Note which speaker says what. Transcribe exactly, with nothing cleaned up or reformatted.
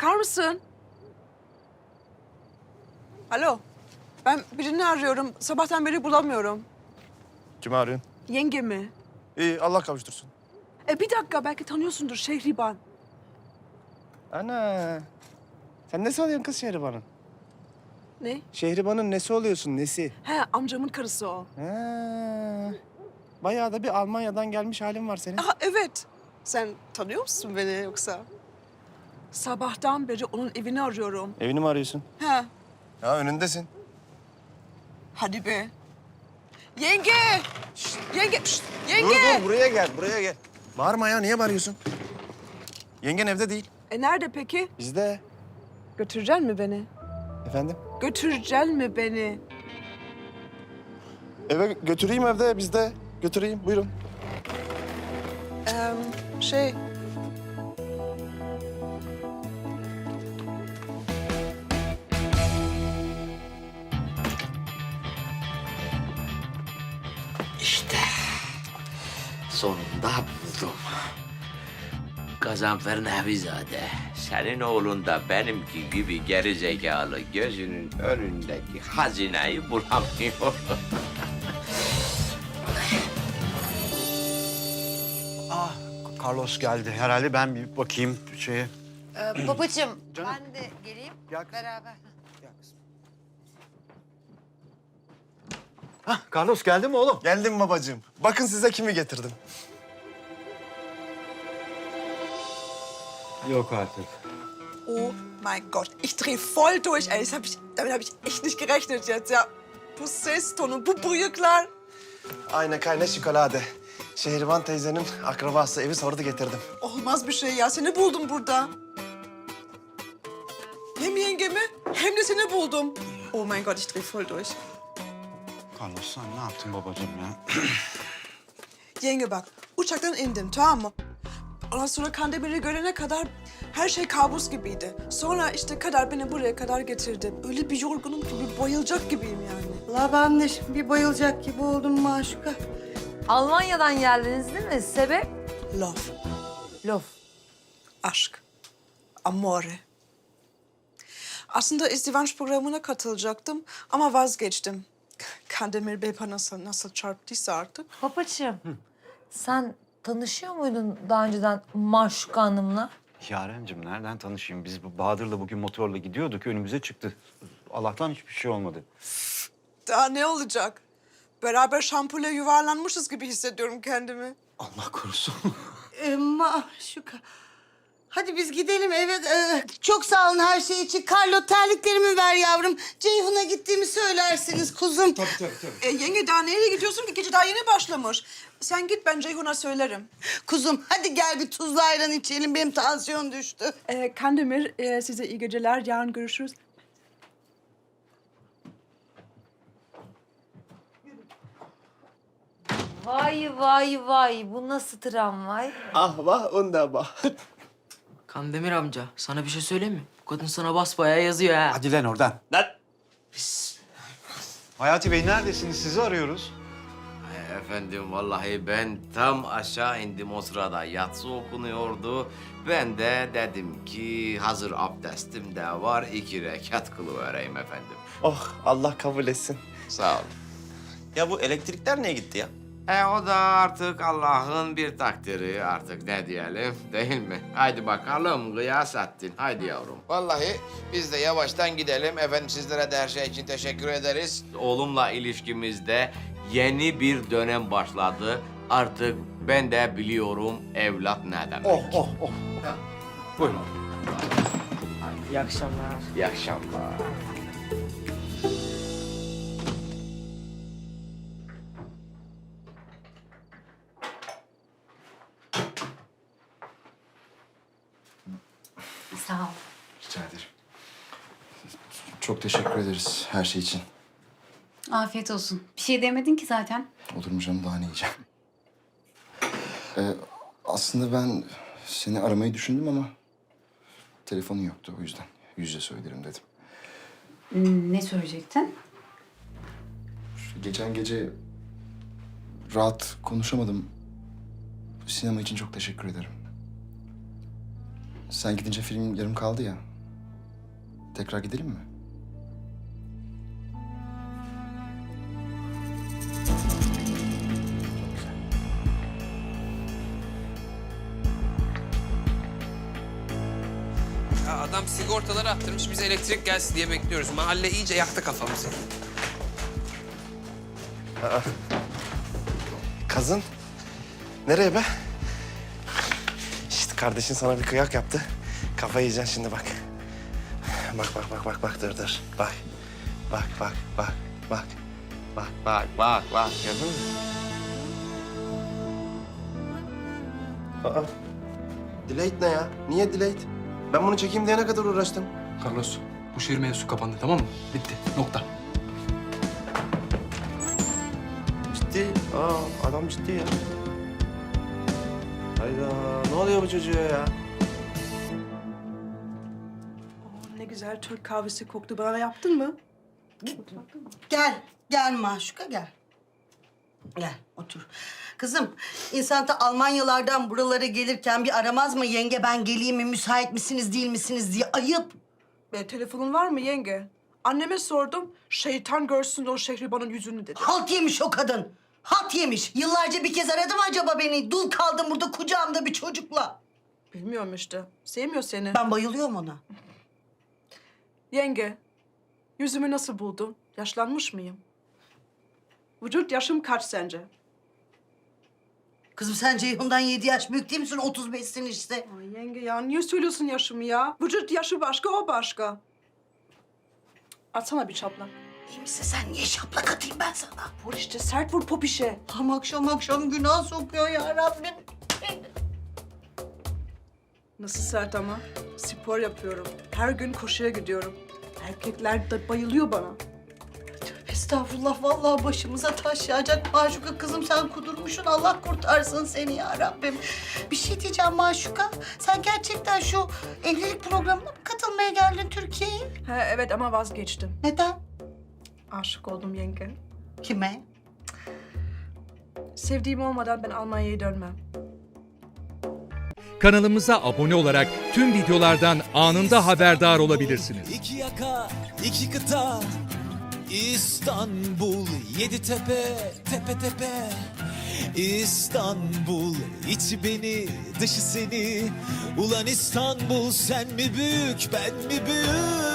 Speaker 1: bakar mısın? Alo. Ben birini arıyorum. Sabahtan beri bulamıyorum.
Speaker 2: Kimi arıyorsun?
Speaker 1: Yengemi.
Speaker 2: İyi, Allah kavuştursun.
Speaker 1: E bir dakika, belki tanıyorsundur Şehriban.
Speaker 2: Ana. Sen nesi oluyorsun kız Şehriban'ın?
Speaker 1: Ne?
Speaker 2: Şehriban'ın nesi oluyorsun, nesi?
Speaker 1: He, amcamın karısı o.
Speaker 2: Ha. Bayağı da bir Almanya'dan gelmiş halin var senin.
Speaker 1: Aha, evet. Sen tanıyor musun beni yoksa? Sabahtan beri onun evini arıyorum.
Speaker 2: Evini mi arıyorsun?
Speaker 1: He.
Speaker 2: Ya önündesin.
Speaker 1: Hadi be. Yenge! Şşt, yenge! Şşt, yenge!
Speaker 2: Dur dur, buraya gel, buraya gel. Bağırma ya, niye bağırıyorsun? Yengen evde değil.
Speaker 1: E nerede peki?
Speaker 2: Bizde.
Speaker 1: Götüreceksin mi beni?
Speaker 2: Efendim?
Speaker 1: Götüreceksin mi beni?
Speaker 2: Eve götüreyim evde, bizde. Götüreyim, buyurun.
Speaker 1: Ee, şey...
Speaker 3: İşte sonunda buldum. Gazanfer Nevizade, senin oğlun da benimki gibi geri zekalı gözünün önündeki hazineyi bulamıyor.
Speaker 4: Ah, Carlos geldi. Herhalde ben bir bakayım şeye.
Speaker 5: Ee, babacığım,
Speaker 4: Canım.
Speaker 5: ben de geleyim
Speaker 4: Gel kızım.
Speaker 5: beraber.
Speaker 4: Gel kızım. Hah, Carlos geldi mi oğlum?
Speaker 2: Geldim babacığım. Bakın size kimi getirdim.
Speaker 4: Yok artık.
Speaker 1: Oh mein Gott, ich drehe voll durch, ey. Das hab ich, damit habe ich echt nicht gerechnet jetzt, ja. Bu ses tonu, bu bıyıklar.
Speaker 2: Aynen kayna şokolade. Şehriban teyzenin akrabası evi sordu getirdim.
Speaker 1: Olmaz bir şey ya, seni buldum burada. Hem yengemi hem de seni buldum. Oh mein Gott, ich drehe voll durch.
Speaker 4: Carlos sen ne yaptın babacığım ya?
Speaker 1: Yenge bak, uçaktan indim, tamam mı? Ondan sonra Kandemir'i görene kadar her şey kabus gibiydi. Sonra işte Kader beni buraya kadar getirdi. Öyle bir yorgunum ki bir bayılacak gibiyim yani.
Speaker 6: La ben de şimdi bir bayılacak gibi oldum Maşuka.
Speaker 5: Almanya'dan geldiniz değil mi? Sebep?
Speaker 1: Love,
Speaker 5: Lof.
Speaker 1: aşk, amore. Aslında izdivaç programına katılacaktım ama vazgeçtim. Kandemir Bey bana nasıl, nasıl çarptıysa artık.
Speaker 5: Babacığım, sen tanışıyor muydun daha önceden Maşuka Hanım'la?
Speaker 4: Yarencim nereden tanışayım? Biz bu Bahadır'la bugün motorla gidiyorduk. Önümüze çıktı. Allah'tan hiçbir şey olmadı.
Speaker 1: Daha ne olacak? Beraber şampule yuvarlanmışız gibi hissediyorum kendimi.
Speaker 4: Allah korusun.
Speaker 6: Ee, Maşuka. Hadi biz gidelim eve. Ee, çok sağ olun her şey için. Carlo terliklerimi ver yavrum. Ceyhun'a gittiğimi söylersiniz kuzum.
Speaker 4: Tabii tabii tabii.
Speaker 1: E, yenge daha nereye gidiyorsun ki? Gece daha yeni başlamış. Sen git, ben Ceyhun'a söylerim.
Speaker 6: Kuzum hadi gel bir tuzlu ayran içelim. Benim tansiyon düştü.
Speaker 1: E, Kandemir, e, size iyi geceler. Yarın görüşürüz.
Speaker 5: Vay vay vay, bu nasıl tramvay?
Speaker 2: Ah vah, onda bah.
Speaker 7: Kandemir amca, sana bir şey söyleyeyim mi? Bu kadın sana basbayağı yazıyor ha.
Speaker 4: Hadi lan oradan.
Speaker 2: Lan!
Speaker 4: Hayati Bey neredesiniz? Sizi arıyoruz.
Speaker 3: Ay efendim vallahi ben tam aşağı indim o sırada yatsı okunuyordu. Ben de dedim ki hazır abdestim de var iki rekat kılıvereyim efendim.
Speaker 2: Oh, Allah kabul etsin.
Speaker 3: Sağ ol.
Speaker 8: Ya bu elektrikler niye gitti ya?
Speaker 3: E o da artık Allah'ın bir takdiri artık ne diyelim değil mi? Haydi bakalım Gıyasettin, haydi yavrum. Vallahi biz de yavaştan gidelim. Efendim sizlere de her şey için teşekkür ederiz. Oğlumla ilişkimizde yeni bir dönem başladı. Artık ben de biliyorum evlat ne demek.
Speaker 4: Oh oh oh. Buyurun.
Speaker 7: İyi akşamlar.
Speaker 3: İyi akşamlar.
Speaker 5: Sağ ol.
Speaker 2: Rica ederim. Çok teşekkür ederiz her şey için.
Speaker 9: Afiyet olsun. Bir şey demedin ki zaten.
Speaker 2: Olur mu canım, daha ne yiyeceğim? Ee, aslında ben seni aramayı düşündüm ama telefonun yoktu, o yüzden yüz yüze söylerim dedim.
Speaker 9: Hmm, ne söyleyecektin?
Speaker 2: Geçen gece rahat konuşamadım. Sinema için çok teşekkür ederim. Sen gidince film yarım kaldı ya. tekrar gidelim mi?
Speaker 10: Ya adam sigortaları attırmış, biz elektrik gelsin diye bekliyoruz. Mahalle iyice yaktı kafamızı.
Speaker 8: Kazın. Nereye be? İşte kardeşin sana bir kıyak yaptı. Kafayı yiyeceksin şimdi bak. Bak bak bak bak bak dur dur. Bak. Bak bak bak bak. Bak bak bak bak. Gördün mü? Aa. Delete ne ya? Niye delete? Ben bunu çekeyim diye ne kadar uğraştım.
Speaker 10: Carlos, bu şehir mevzusu kapandı, tamam mı? Bitti, nokta.
Speaker 8: Ciddi. Aa adam ciddi ya. Hayda ne oluyor bu çocuğa ya?
Speaker 1: Oh, ne güzel Türk kahvesi koktu. Bana yaptın mı?
Speaker 6: Gel, gel Maşuka gel. Gel, otur. Kızım, insan da Almanyalardan buralara gelirken bir aramaz mı? Yenge ben geleyim mi, müsait misiniz, değil misiniz diye. Ayıp.
Speaker 1: Be, telefonun var mı yenge? Anneme sordum. Şeytan görsün o Şehriban'ın yüzünü dedi.
Speaker 6: Halt yemiş o kadın. Halt yemiş. Yıllarca bir kez aradı mı acaba beni? Dul kaldım burada kucağımda bir çocukla.
Speaker 1: Bilmiyorum işte. Sevmiyor seni.
Speaker 6: Ben bayılıyorum ona.
Speaker 1: Yenge, yüzümü nasıl buldun? Yaşlanmış mıyım? Vücut yaşım kaç sence?
Speaker 6: Kızım sen Ceyhun'dan yedi yaş büyük değil misin? otuz beşsin işte.
Speaker 1: Ay yenge ya, niye söylüyorsun yaşımı ya? Vücut yaşı başka, o başka. Atsana bir çaplak.
Speaker 6: İyi misin sen? Niye şaplak atayım ben sana?
Speaker 1: Vur işte, sert vur popişe.
Speaker 6: Tam akşam akşam günah sokuyor ya Rabbim.
Speaker 1: Nasıl sert ama? Spor yapıyorum. Her gün koşuya gidiyorum. Erkekler de bayılıyor bana.
Speaker 6: Estağfurullah vallahi başımıza taş yağacak Maşuka kızım sen kudurmuşsun Allah kurtarsın seni ya Rabbim. Bir şey diyeceğim Maşuka sen gerçekten şu evlilik programına mı katılmaya geldin Türkiye'ye?
Speaker 1: He evet ama vazgeçtim.
Speaker 6: Neden?
Speaker 1: Aşık oldum yenge.
Speaker 6: Kime?
Speaker 1: Sevdiğim olmadan ben Almanya'ya dönmem.
Speaker 11: Kanalımıza abone olarak tüm videolardan anında haberdar olabilirsiniz.
Speaker 12: İki yaka, iki kıta, İstanbul, yedi tepe, tepe tepe. İstanbul, içi beni, dışı seni. Ulan İstanbul, sen mi büyük, ben mi büyük?